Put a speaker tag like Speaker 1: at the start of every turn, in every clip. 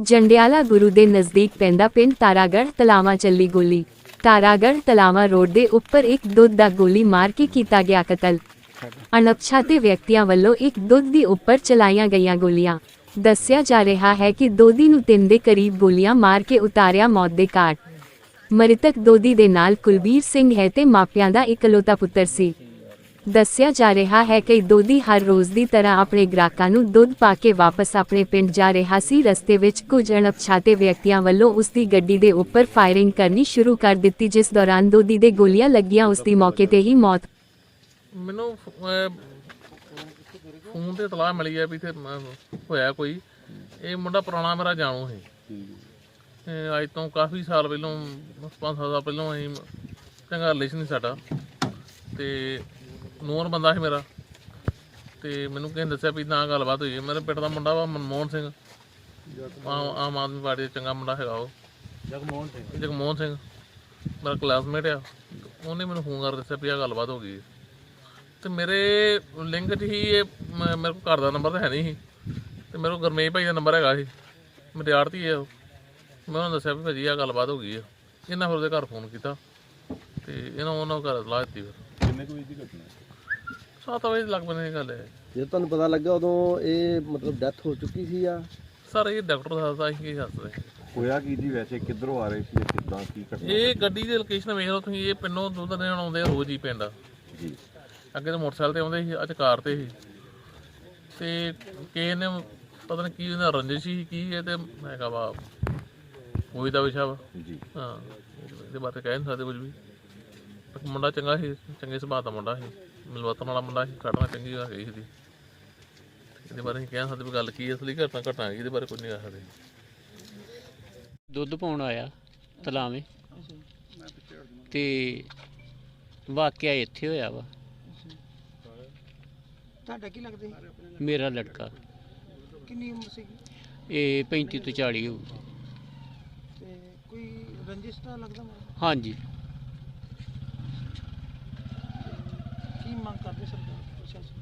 Speaker 1: ਜੰਡਿਆਲਾ ਗੁਰੂ ਦੇ ਨਜ਼ਦੀਕ ਪੈਂਦਾ ਪਿੰਡ ਤਾਰਾਗੜ੍ਹ ਤਲਾਵਾਂ ਚੱਲੀ ਗੋਲੀ। ਤਾਰਾਗੜ੍ਹ ਤਲਾਵਾਂ ਰੋਡ ਦੇ ਉੱਪਰ ਇੱਕ ਦੁੱਧ ਦਾ ਗੋਲੀ ਮਾਰ ਕੇ ਕੀਤਾ ਗਿਆ ਕਤਲ। ਅਣਪਛਾਤੇ ਵਿਅਕਤੀਆਂ ਵੱਲੋਂ ਇੱਕ ਦੁੱਧ ਦੀ ਉੱਪਰ ਚਲਾਈਆਂ ਗਈਆਂ ਗੋਲੀਆਂ। ਦੱਸਿਆ ਜਾ ਰਿਹਾ ਹੈ ਕਿ ਦੋਦੀ ਨੂੰ 3 ਦੇ ਕਰੀਬ ਗੋਲੀਆਂ ਮਾਰ ਕੇ ਉਤਾਰਿਆ ਮੌਤ ਦੇ ਘਾਟ। ਮ੍ਰਿਤਕ ਦੋਦੀ ਦੇ ਨਾਲ ਕੁਲਬੀਰ ਸਿੰਘ ਹੈ ਤੇ ਮਾਪਿਆਂ ਦਾ ਇਕਲੌਤਾ ਪੁੱਤਰ ਸੀ। ਦੱਸਿਆ ਜਾ ਰਿਹਾ ਹੈ ਕਿ ਦੋਦੀ ਹਰ ਰੋਜ਼ ਦੀ ਤਰ੍ਹਾਂ ਆਪਣੇ ਗ੍ਰਾਹਕਾਂ ਨੂੰ ਦੁੱਧ ਪਾ ਕੇ ਵਾਪਸ ਆਪਣੇ ਪਿੰਡ ਜਾ ਰਿਹਾ ਸੀ। ਰਸਤੇ ਵਿੱਚ ਕੁਝ ਅਣਪਛਾਤੇ ਵਿਅਕਤੀਆਂ ਵੱਲੋਂ ਉਸ ਦੀ ਗੱਡੀ ਦੇ ਉੱਪਰ ਫਾਇਰਿੰਗ ਕਰਨੀ ਸ਼ੁਰੂ ਕਰ ਦਿੱਤੀ, ਜਿਸ ਦੌਰਾਨ ਦੋਦੀ ਦੇ ਗੋਲੀਆਂ ਲੱਗੀਆਂ। ਉਸ ਦੀ ਮੌਕੇ ਤੇ ਹੀ ਮੌਤ।
Speaker 2: ਮੈਨੂੰ ਫੋਨ ਤੇ ਇਤਲਾਹ ਮਿਲੀ ਹੈ ਵੀ ਇੱਥੇ ਹੋਇਆ ਕੋਈ। ਇਹ ਮੁੰਡਾ ਪੁਰਾਣਾ ਮੇਰਾ ਜਾਣੂ ਸੀ। ਅੱਜ ਤੋਂ ਕਾਫੀ ਸਾਲ ਪਹਿਲਾਂ 5-7 ਸਾਲ ਪਹਿਲਾਂ ਅਸੀਂ ਚੰਗਾ ਰਿਲੇਸ਼ਨ ਸੀ ਸਾਡਾ, ਤੇ ਨੂਰ ਬੰਦਾ ਸੀ ਮੇਰਾ। ਤੇ ਮੈਨੂੰ ਕਿਸੇ ਨੇ ਦੱਸਿਆ ਵੀ ਨਾ ਗੱਲਬਾਤ ਹੋਈ। ਮੇਰੇ ਪਿੰਡ ਦਾ ਮੁੰਡਾ ਵਾ ਮਨਮੋਹਨ ਸਿੰਘ, ਆਮ ਆਦਮੀ ਪਾਰਟੀ ਦਾ ਚੰਗਾ ਮੁੰਡਾ ਹੈਗਾ। ਉਹ ਜਗਮੋਹਨ ਸਿੰਘ ਮੇਰਾ ਕਲਾਸਮੇਟ ਆ। ਉਹਨੇ ਮੈਨੂੰ ਫੋਨ ਕਰ ਦੱਸਿਆ ਵੀ ਆਹ ਗੱਲਬਾਤ ਹੋ ਗਈ। ਤੇ ਮੇਰੇ ਲਿੰਕ 'ਚ ਹੀ ਇਹ ਮੇਰੇ ਕੋਲ ਘਰ ਦਾ ਨੰਬਰ ਤਾਂ ਹੈ ਨਹੀਂ ਸੀ, ਤੇ ਮੇਰੇ ਕੋਲ ਗੁਰਮੇਸ਼ ਭਾਈ ਦਾ ਨੰਬਰ ਹੈਗਾ ਸੀ। ਮੇਰੇ ਆੜਤੀ ਆ ਉਹ। ਮੈਂ ਉਹਨੂੰ ਦੱਸਿਆ ਵੀ ਭਾਜੀ ਆਹ ਗੱਲਬਾਤ ਹੋ ਗਈ ਆ। ਇਹਨਾਂ ਫਿਰ ਉਹਦੇ ਘਰ ਫੋਨ ਕੀਤਾ ਤੇ ਉਹਨਾਂ ਘਰ ਸਲਾਹ ਦਿੱਤੀ। ਫਿਰ
Speaker 3: ਕਿੰਨੇ ਕੁ ਵਜੇ ਦੀ ਘਟਨਾ?
Speaker 2: 7 ਵਜੇ ਲੱਗ ਪੈਂਦੀ ਗੱਲ ਹੈ।
Speaker 4: ਜੇ ਤੁਹਾਨੂੰ ਪਤਾ ਲੱਗਾ ਉਦੋਂ ਇਹ ਮਤਲਬ ਡੈਥ ਹੋ ਚੁੱਕੀ ਸੀ ਆ?
Speaker 2: ਸਰ ਇਹ ਡਾਕਟਰ ਦੱਸਦਾ ਸੀ, ਕੀ ਦੱਸਦੇ
Speaker 3: ਹੋਇਆ ਕੀ ਜੀ? ਵੈਸੇ ਕਿੱਧਰੋਂ ਆ ਰਹੇ ਸੀ, ਕਿੱਦਾਂ ਕੀ ਘਟਨਾ?
Speaker 2: ਇਹ ਗੱਡੀ ਦੀ ਲੋਕੇਸ਼ਨ ਵੇਖ ਲਓ ਤੁਸੀਂ। ਇਹ ਪਿੰਡੋਂ ਦੁੱਧ ਦੇਣ ਆਉਂਦੇ ਆ ਰੋਜ਼ ਹੀ ਪਿੰਡ
Speaker 3: ਜੀ।
Speaker 2: ਅੱਗੇ ਤਾਂ ਮੋਟਰਸਾਈਕਲ ਤੇ ਆਉਂਦੇ ਸੀ, ਅੱਜ ਕਾਰ ਤੇ ਸੀ। ਤੇ ਕਿਸੇ ਨੇ ਪਤਾ ਨਹੀਂ ਕੀ ਉਹਨਾਂ ਰੰਜਿਸ਼ ਸੀ ਕੀ ਇਹ ਤੇ ਹੈਗਾ ਵਾ ਉਹੀ ਦਾ ਵਿਸ਼ਾ ਵਾ
Speaker 3: ਜੀ।
Speaker 2: ਹਾਂ, ਇਹਦੇ ਬਾਰੇ ਕਹਿ ਨਹੀਂ ਸਕਦੇ ਕੁਝ ਵੀ। ਮੁੰਡਾ ਚੰਗਾ ਸੀ, ਚੰਗੇ ਸੁਭਾਅ ਦਾ ਮੁੰਡਾ ਸੀ, ਮਿਲਵਤਨ ਵਾਲਾ ਮੁੰਡਾ ਸੀ। ਘਟਨਾ ਚੰਗੀ ਹੈਗੀ ਸੀ। ਇਹਦੇ ਬਾਰੇ ਅਸੀਂ ਕਹਿ ਨਹੀਂ ਸਕਦੇ ਵੀ ਗੱਲ ਕੀ ਅਸਲੀ ਘਟਨਾ ਹੈਗੀ। ਇਹਦੇ ਬਾਰੇ ਕੁਝ ਨਹੀਂ ਕਹਿ ਸਕਦੇ।
Speaker 5: ਦੁੱਧ ਪਾਉਣ ਆਇਆ ਤਲਾਵੇਂ ਤੇ ਵਾਕਿਆ ਇੱਥੇ ਹੋਇਆ ਵਾ।
Speaker 6: ਤੁਹਾਡਾ ਕੀ ਲੱਗਦਾ ਸੀ?
Speaker 5: ਮੇਰਾ ਲੜਕਾ
Speaker 6: ਕਿੰਨੀ ਉਮਰ ਸੀ?
Speaker 5: ਇਹ 35 ਤੋਂ 40 ਹੋਊ।
Speaker 6: ਤੇ ਕੋਈ ਰੰਜਿਸ਼ ਤਾਂ ਲੱਗਦਾ ਮੈਨੂੰ।
Speaker 5: ਹਾਂਜੀ।
Speaker 6: ਕੀ ਮੰਗ ਕਰਦੇ ਸਰਕਾਰ ਪ੍ਰਸ਼ਾਸਨ?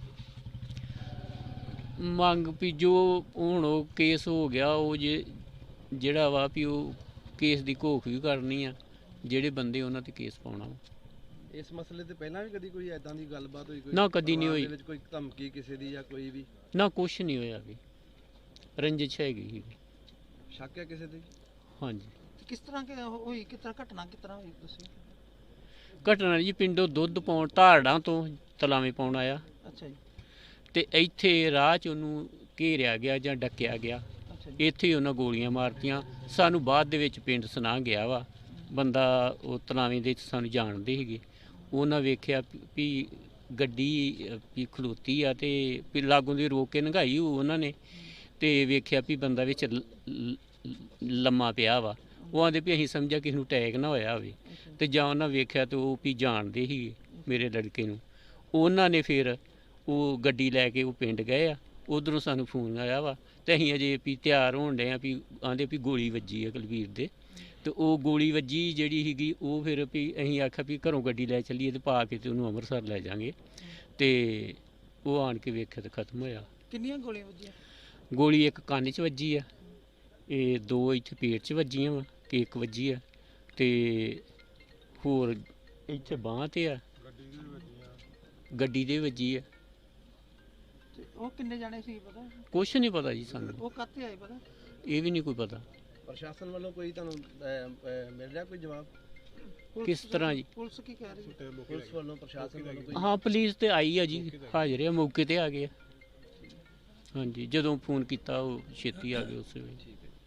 Speaker 5: ਮੰਗ ਵੀ ਜੋ ਹੁਣ ਉਹ ਕੇਸ ਹੋ ਗਿਆ, ਉਹ ਜਿਹੜਾ ਵਾ ਵੀ ਉਹ ਕੇਸ ਦੀ ਘੋਖ ਵੀ ਕਰਨੀ ਆ। ਜਿਹੜੇ ਬੰਦੇ ਉਹਨਾਂ ਤੇ ਕੇਸ ਪਾਉਣਾ।
Speaker 4: ਇਸ ਮਸਲੇ ਤੇ ਪਹਿਲਾਂ ਵੀ ਕਦੀ ਕੋਈ ਐਦਾਂ ਦੀ ਗੱਲਬਾਤ ਹੋਈ? ਕੋਈ
Speaker 5: ਨਾ, ਕਦੀ ਨਹੀਂ ਹੋਈ।
Speaker 4: ਵਿੱਚ ਕੋਈ ਧਮਕੀ ਕਿਸੇ ਦੀ ਜਾਂ ਕੋਈ ਵੀ?
Speaker 5: ਨਾ, ਕੁਛ ਨਹੀਂ ਹੋਇਆ ਵੀ। ਰੰਜਿਸ਼ ਹੈਗੀ ਸੀ।
Speaker 4: ਸ਼ੱਕ ਹੈ ਕਿਸੇ ਤੇ?
Speaker 5: ਹਾਂਜੀ।
Speaker 6: ਕਿਸ ਤਰ੍ਹਾਂ ਹੋਈ? ਕਿਸ ਤਰ੍ਹਾਂ ਘਟਨਾ ਕਿਸ ਤਰ੍ਹਾਂ ਹੋਈ ਤੁਸੀਂ?
Speaker 5: ਘਟਨਾ ਜੀ ਪਿੰਡੋਂ ਦੁੱਧ ਪਾਉਣ ਧਾਰੜਾਂ ਤੋਂ ਤਲਾਵੇਂ ਪਾਉਣ ਆਇਆ
Speaker 6: ਅੱਛਾ ਜੀ।
Speaker 5: ਤੇ ਇੱਥੇ ਰਾਹ 'ਚ ਉਹਨੂੰ ਘੇਰਿਆ ਗਿਆ ਜਾਂ ਡੱਕਿਆ ਗਿਆ।
Speaker 6: ਅੱਛਾ ਜੀ।
Speaker 5: ਇੱਥੇ ਹੀ ਉਹਨਾਂ ਗੋਲੀਆਂ ਮਾਰਤੀਆਂ। ਸਾਨੂੰ ਬਾਅਦ ਦੇ ਵਿੱਚ ਪਿੰਡ ਸੁਣਾ ਗਿਆ ਵਾ ਬੰਦਾ, ਉਹ ਤਲਾਵੇਂ ਦੇ ਸਾਨੂੰ ਜਾਣਦੇ ਸੀਗੇ। ਉਹਨਾਂ ਵੇਖਿਆ ਵੀ ਗੱਡੀ ਵੀ ਖਲੋਤੀ ਆ ਤੇ ਵੀ ਲਾਗੋਂ ਦੀ ਰੋਕ ਕੇ ਲੰਘਾਈ ਉਹਨਾਂ ਨੇ, ਤੇ ਵੇਖਿਆ ਵੀ ਬੰਦਾ ਵਿੱਚ ਲੰਮਾ ਪਿਆ ਵਾ। ਉਹ ਆਂਦੇ ਵੀ ਅਸੀਂ ਸਮਝਿਆ ਕਿਸੇ ਨੂੰ ਅਟੈਕ ਨਾ ਹੋਇਆ ਹੋਵੇ। ਤੇ ਜਾਂ ਉਹਨਾਂ ਵੇਖਿਆ ਤੇ ਉਹ ਵੀ ਜਾਣਦੇ ਸੀਗੇ ਮੇਰੇ ਲੜਕੇ ਨੂੰ। ਉਹਨਾਂ ਨੇ ਫਿਰ ਉਹ ਗੱਡੀ ਲੈ ਕੇ ਉਹ ਪਿੰਡ ਗਏ ਆ। ਉੱਧਰੋਂ ਸਾਨੂੰ ਫੋਨ ਆਇਆ ਵਾ ਤੇ ਅਸੀਂ ਅਜੇ ਵੀ ਤਿਆਰ ਹੋਣ ਡਏ ਆ ਵੀ ਆਂਦੇ ਵੀ ਗੋਲੀ ਵੱਜੀ ਆ ਕੁਲਵੀਰ ਦੇ। ਤੇ ਉਹ ਗੋਲੀ ਵੱਜੀ ਜਿਹੜੀ ਸੀਗੀ ਉਹ ਫਿਰ ਵੀ ਅਸੀਂ ਆਖਿਆ ਵੀ ਘਰੋਂ ਗੱਡੀ ਲੈ ਚੱਲੀਏ ਤੇ ਪਾ ਕੇ ਤੇ ਉਹਨੂੰ ਅੰਮ੍ਰਿਤਸਰ ਲੈ ਜਾਵਾਂਗੇ। ਤੇ ਉਹ ਆਣ ਕੇ ਵੇਖਿਆ ਤੇ ਖਤਮ ਹੋਇਆ।
Speaker 6: ਕਿੰਨੀਆਂ ਗੋਲੀਆਂ ਵੱਜੀਆਂ?
Speaker 5: ਗੋਲੀ ਇੱਕ ਕੰਨ 'ਚ ਵੱਜੀ ਆ, ਇਹ 2 ਇੱਥੇ ਪੇਟ 'ਚ ਵੱਜੀਆਂ ਵਾ, ਕਿ ਇੱਕ ਵੱਜੀ ਆ, ਤੇ ਹੋਰ ਇੱਥੇ ਬਾਂਹ ਤੇ ਆ, ਗੱਡੀ ਦੇ ਵੱਜੀ ਆ।
Speaker 6: ਤੇ ਉਹ ਕਿੰਨੇ ਜਾਣੇ ਸੀ ਪਤਾ?
Speaker 5: ਕੁਛ ਨਹੀਂ ਪਤਾ ਜੀ ਸਾਨੂੰ।
Speaker 6: ਉਹ ਕਾਹਤੇ ਆਏ ਪਤਾ?
Speaker 5: ਇਹ ਵੀ ਨਹੀਂ ਕੋਈ ਪਤਾ।
Speaker 4: ਪ੍ਰਸ਼ਾਸਨ ਵੱਲੋਂ ਕੋਈ ਤੁਹਾਨੂੰ ਮਿਲ ਰਿਹਾ ਕੋਈ ਜਵਾਬ?
Speaker 5: ਕਿਸ ਤਰ੍ਹਾਂ ਜੀ?
Speaker 6: ਪੁਲਿਸ ਕੀ ਕਹਿ ਰਹੀ ਹੈ?
Speaker 4: ਪੁਲਿਸ ਵੱਲੋਂ ਪ੍ਰਸ਼ਾਸਨ ਵੱਲੋਂ ਕੋਈ?
Speaker 5: ਹਾਂ, ਪੁਲਿਸ ਤੇ ਆਈ ਆ ਜੀ, ਹਾਜ਼ਰ ਆ, ਮੌਕੇ ਤੇ ਆ ਗਏ ਆ। ਹਾਂਜੀ, ਜਦੋਂ ਫੋਨ ਕੀਤਾ ਉਹ ਛੇਤੀ ਆ ਗਏ ਉਸੇ ਵੇਲੇ।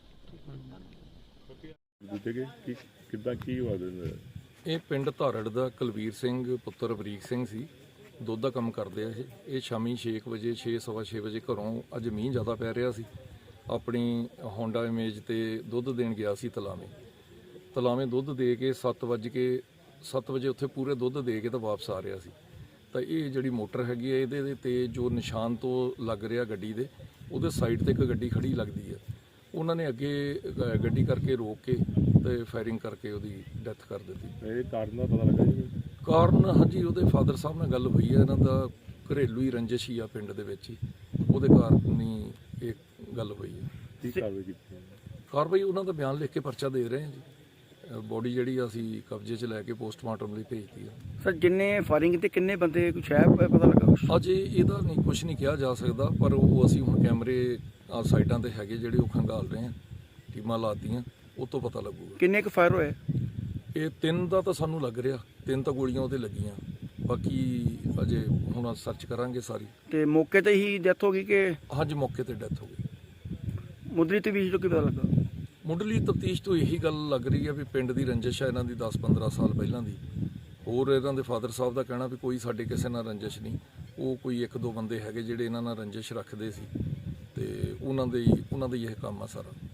Speaker 3: ਕਿੱਦਾਂ ਕੀ ਹੋਇਆ?
Speaker 7: ਇਹ ਪਿੰਡ ਧਾਰੜ ਦਾ ਕੁਲਵੀਰ ਸਿੰਘ ਪੁੱਤਰ ਬਰੀਕ ਸਿੰਘ ਸੀ। ਦੁੱਧ ਦਾ ਕੰਮ ਕਰਦੇ ਆ ਇਹ ਸ਼ਾਮੀ 6 ਵਜੇ 6:15 ਵਜੇ ਘਰੋਂ, ਅੱਜ ਮੀਂਹ ਜ਼ਿਆਦਾ ਪੈ ਰਿਹਾ ਸੀ, ਆਪਣੀ ਹੋਂਡਾ ਇਮੇਜ ਤੇ ਦੁੱਧ ਦੇਣ ਗਿਆ ਸੀ ਤਲਾਵੇਂ ਦੁੱਧ ਦੇ ਕੇ 7 ਵਜੇ ਉੱਥੇ ਪੂਰੇ ਦੁੱਧ ਦੇ ਕੇ ਤਾਂ ਵਾਪਸ ਆ ਰਿਹਾ ਸੀ। ਤਾਂ ਇਹ ਜਿਹੜੀ ਮੋਟਰ ਹੈਗੀ ਹੈ ਇਹਦੇ ਤੇ ਜੋ ਨਿਸ਼ਾਨ ਤੋਂ ਲੱਗ ਰਿਹਾ ਗੱਡੀ ਦੇ, ਉਹਦੇ ਸਾਈਡ ਤੇ ਇੱਕ ਗੱਡੀ ਖੜੀ ਲੱਗਦੀ ਹੈ। ਉਹਨਾਂ ਨੇ ਅੱਗੇ ਗੱਡੀ ਕਰਕੇ ਰੋਕ ਕੇ ਤੇ ਫਾਇਰਿੰਗ ਕਰਕੇ ਉਹਦੀ ਡੈਥ ਕਰ ਦਿੱਤੀ।
Speaker 3: ਇਹ ਕਾਰਨ ਦਾ ਪਤਾ ਲੱਗਾ ਜੀ?
Speaker 7: ਕਾਰਨ ਹਾਂਜੀ, ਉਹਦੇ ਫਾਦਰ ਸਾਹਿਬ ਨਾਲ ਗੱਲ ਹੋਈ ਹੈ। ਇਹਨਾਂ ਦਾ ਘਰੇਲੂ ਹੀ ਰੰਜਿਸ਼ ਹੀ ਆ ਪਿੰਡ ਦੇ ਵਿੱਚ ਹੀ, ਉਹਦੇ ਕਾਰਨ ਹੀ ਇਹ ਗੱਲ ਹੋਈ ਹੈ।
Speaker 3: ਕੀ ਕਾਰਵਾਈ ਕੀਤੀ?
Speaker 7: ਕਾਰਵਾਈ ਉਹਨਾਂ ਦਾ ਬਿਆਨ ਲਿਖ ਕੇ ਪਰਚਾ ਦੇ ਰਹੇ ਹਾਂ ਜੀ। ਬੋਡੀ ਜਿਹੜੀ ਅਸੀਂ ਕਬਜ਼ੇ 'ਚ ਲੈ ਕੇ ਪੋਸਟਮਾਰਟਮ ਲਈ ਭੇਜਤੀ ਆ।
Speaker 8: ਸਰ ਜਿੰਨੇ ਫਾਇਰਿੰਗ ਤੇ ਕਿੰਨੇ ਬੰਦੇ ਕੁਛ ਹੈ ਪਤਾ ਲੱਗਾ ਕੁਛ?
Speaker 7: ਅਜੇ ਇਹਦਾ ਨਹੀਂ ਕੁਝ ਨਹੀਂ ਕਿਹਾ ਜਾ ਸਕਦਾ, ਪਰ ਉਹ ਅਸੀਂ ਹੁਣ ਕੈਮਰੇ ਸਾਈਡਾਂ ਤੇ ਹੈਗੇ ਜਿਹੜੇ ਉਹ ਖੰਗਾਲ ਰਹੇ ਹਾਂ, ਟੀਮਾਂ ਲਾਤੀਆਂ, ਉਹ ਤੋਂ ਪਤਾ ਲੱਗੂਗਾ।
Speaker 8: ਕਿੰਨੇ ਕੁ ਫਾਇਰ ਹੋਏ?
Speaker 7: ਇਹ 3 ਦਾ ਤਾਂ ਸਾਨੂੰ ਲੱਗ ਰਿਹਾ, 3 ਤਾਂ ਗੋਲੀਆਂ ਉਹਦੇ ਲੱਗੀਆਂ, ਬਾਕੀ ਅਜੇ ਹੁਣ ਸਰਚ ਕਰਾਂਗੇ ਸਾਰੀ।
Speaker 8: ਤੇ ਮੌਕੇ ਤੇ ਹੀ ਡੈਥ ਹੋ ਗਈ ਕਿ
Speaker 7: ਹਾਂਜੀ ਮੌਕੇ ਤੇ ਡੈਥ ਹੋ ਗਈ।
Speaker 8: ਮੁੱਢਲੀ ਤਫਤੀਸ਼ ਤੋਂ ਕੀ ਪਤਾ ਲੱਗਾ?
Speaker 7: ਮੁੱਢਲੀ ਤਫਤੀਸ਼ ਤੋਂ ਇਹੀ ਗੱਲ ਲੱਗ ਰਹੀ ਹੈ ਵੀ ਪਿੰਡ ਦੀ ਰੰਜਿਸ਼ ਹੈ ਇਹਨਾਂ ਦੀ 10-15 ਸਾਲ ਪਹਿਲਾਂ ਦੀ। ਹੋਰ ਇਹਨਾਂ ਦੇ ਫਾਦਰ ਸਾਹਿਬ ਦਾ ਕਹਿਣਾ ਵੀ ਕੋਈ ਸਾਡੇ ਕਿਸੇ ਨਾਲ ਰੰਜਿਸ਼ ਨਹੀਂ, ਉਹ ਕੋਈ 1-2 ਬੰਦੇ ਹੈਗੇ ਜਿਹੜੇ ਇਹਨਾਂ ਨਾਲ ਰੰਜਿਸ਼ ਰੱਖਦੇ ਸੀ ਤੇ ਉਹਨਾਂ ਦੇ ਹੀ ਇਹ ਕੰਮ ਆ ਸਾਰਾ।